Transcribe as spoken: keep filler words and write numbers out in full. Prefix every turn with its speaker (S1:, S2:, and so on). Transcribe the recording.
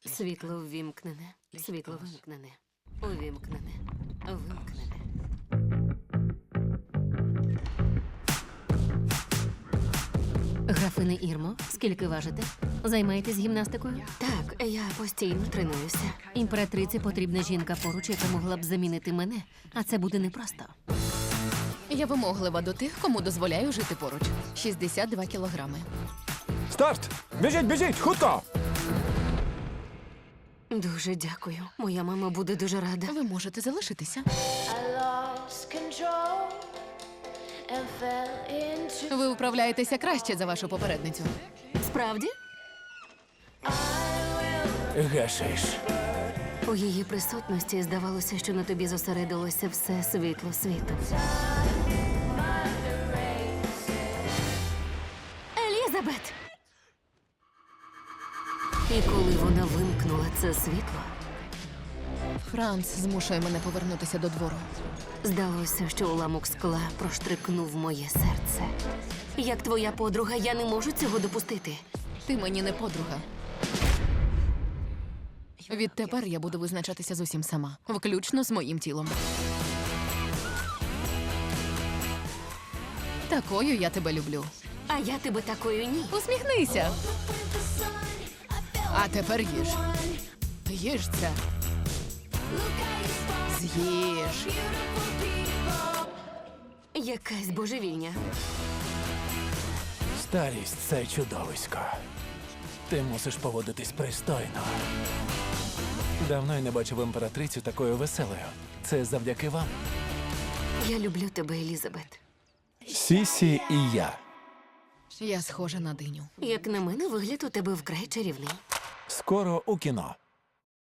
S1: Світло ввімкнене. Світло вимкнене. Увімкнене. Вимкнене. Графине Ірмо, скільки важите? Займаєтесь гімнастикою? Так, я постійно тренуюся. Імператриці потрібна жінка поруч, яка могла б замінити мене, а це буде непросто.
S2: Я вимоглива до тих, кому дозволяю жити поруч. шістдесят два кілограми.
S3: Старт! Біжіть, біжіть, хутко!
S1: Дуже дякую. Моя мама буде дуже рада.
S2: Ви можете залишитися.
S4: I lost control and fell into.
S2: Ви управляєтеся краще за вашу попередницю.
S1: Справді?
S3: Гешиш.
S1: У її присутності здавалося, що на тобі зосередилося все світло світу. Елізабет! І коли вона вимкнула це світло,
S2: Франц змушує мене повернутися до двору.
S1: здалося, що уламок скла проштрикнув моє серце. Як твоя подруга, я не можу цього допустити.
S2: Ти мені не подруга. Відтепер я буду визначатися з усім сама, включно з моїм тілом. Такою я тебе люблю.
S1: А я тебе такою ні.
S2: Усміхнися. А тепер їж. Їж це. З'їж.
S1: Якась божевільня.
S3: Старість – це чудовисько. Ти мусиш поводитись пристойно. Давно я не бачив імператрицю такою веселою. Це завдяки вам.
S1: Я люблю тебе, Елізабет.
S3: Сісі і я.
S2: Я схожа на диню.
S1: Як на мене, вигляд у тебе вкрай чарівний.
S3: Скоро у кіно.